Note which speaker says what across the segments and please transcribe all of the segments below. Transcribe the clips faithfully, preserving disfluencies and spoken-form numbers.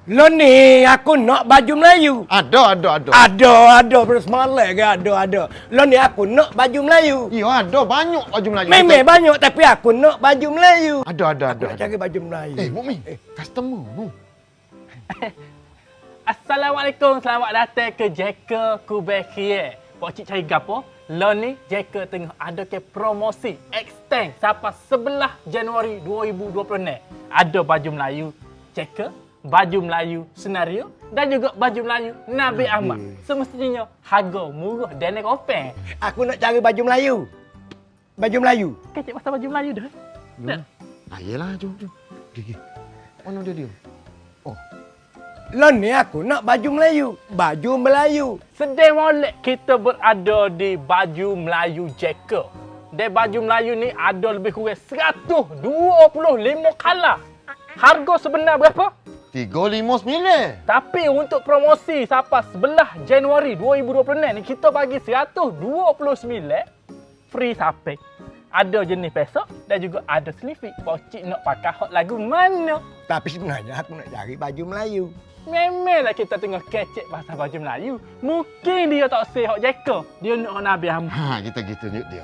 Speaker 1: Lo ni aku nak baju Melayu.
Speaker 2: Ada, ada, ada.
Speaker 1: Ada, ada. Pada semalam ke ada, ada. Lo ni aku nak baju Melayu.
Speaker 2: Ya, ada banyak baju Melayu.
Speaker 1: Memang banyak tapi aku nak baju Melayu.
Speaker 2: Ada, ada,
Speaker 1: Aku
Speaker 2: ada.
Speaker 1: nak cari baju Melayu.
Speaker 2: Eh, Mukmi, eh. customer tu.
Speaker 3: Assalamualaikum, selamat datang ke Jeka Kubekie. Pak cik cari gapo? Lo ni Jeka tengah ada ke promosi extend sampai sebelas Januari dua ribu dua puluh enam. Ada baju Melayu Jeka, baju Melayu senario dan juga baju Melayu Nabi Ahmad. Semestinya harga murah dan kopeng.
Speaker 1: Aku nak cari baju Melayu. Baju Melayu.
Speaker 3: Kecik pasal baju Melayu dah. Dah.
Speaker 2: Ah, yelah, jom, jom. Pergi. Mana dia dia? Oh,
Speaker 1: Lo ni aku nak baju Melayu. Baju Melayu.
Speaker 3: Sedih molek kita berada di baju Melayu Jeka. Dan baju Melayu ni ada lebih kurang seratus dua puluh lima color. Harga sebenar berapa?
Speaker 2: tiga lima sembilan.
Speaker 3: Tapi untuk promosi sampai sebelas Januari dua ribu dua puluh enam ni kita bagi seratus dua puluh sembilan free sampai. Ada jenis pesok dan juga ada selipik. Pocik nak pakai hot lagu mana?
Speaker 1: Tapi sebenarnya aku nak cari baju Melayu.
Speaker 3: Memanglah kita tengah kecek pasal baju Melayu. Mungkin dia tak say hot Jeka. Dia nak hot Nabi Ahmad.
Speaker 2: Ha, kita gitu nyut dia.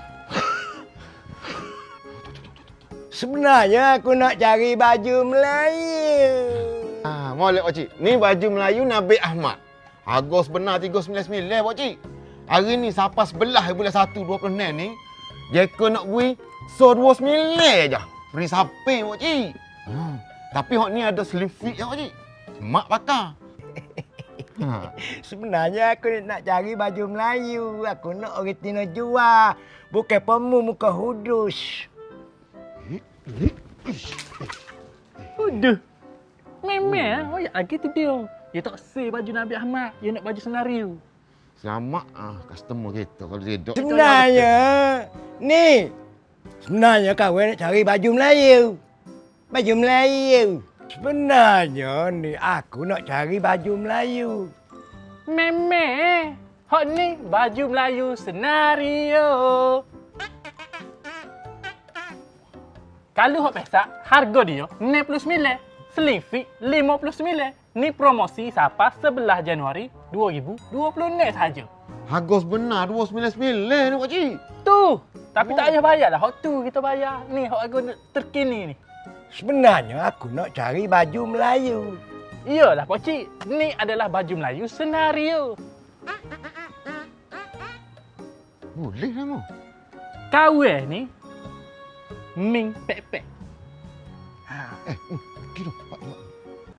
Speaker 1: Sebenarnya aku nak cari baju Melayu.
Speaker 2: Ah, molek pakcik. Ni baju Melayu Nabi Ahmad. Harga sebenar tiga sembilan sembilan pakcik. Hari ni sampai sebelah bulan satu dua puluh enam ni, Jeka nak beri so dua sembilan je. Free samping pakcik. Ha. Tapi hok ni ada slim fit je pakcik. Mak pakai. Ha.
Speaker 1: Sebenarnya aku nak cari baju Melayu. Aku nak orang Tino jual. Bukan pemu muka hudus.
Speaker 3: Udah. Memang oh. Ya lagi tu dia. Dia tak say baju Nabi Ahmad. Dia nak baju senario.
Speaker 2: Selamat ah customer kita kalau dia dok.
Speaker 1: Sebenarnya, ni. Sebenarnya kawan nak cari baju Melayu. Baju Melayu. Sebenarnya ni aku nak cari baju Melayu.
Speaker 3: Memang. Hot ni baju Melayu senario. Kalau hot pesak, harga dia enam puluh sembilan. Slim fit lima puluh sembilan. Ni promosi sampai sebelas Januari dua ribu dua puluh enam saja.
Speaker 2: Harga sebenar dua sembilan sembilan ni pakcik.
Speaker 3: Tu. Tapi
Speaker 2: Oh.
Speaker 3: tak payah bayar lah. Hot tu kita bayar. Ni hot harga terkini ni.
Speaker 1: Sebenarnya aku nak cari baju Melayu.
Speaker 3: Iyalah pakcik. Ni adalah baju Melayu senario.
Speaker 2: Boleh lah mu.
Speaker 3: Kawan ni Ming pek-pek.
Speaker 2: Eh, uh, pergi tu.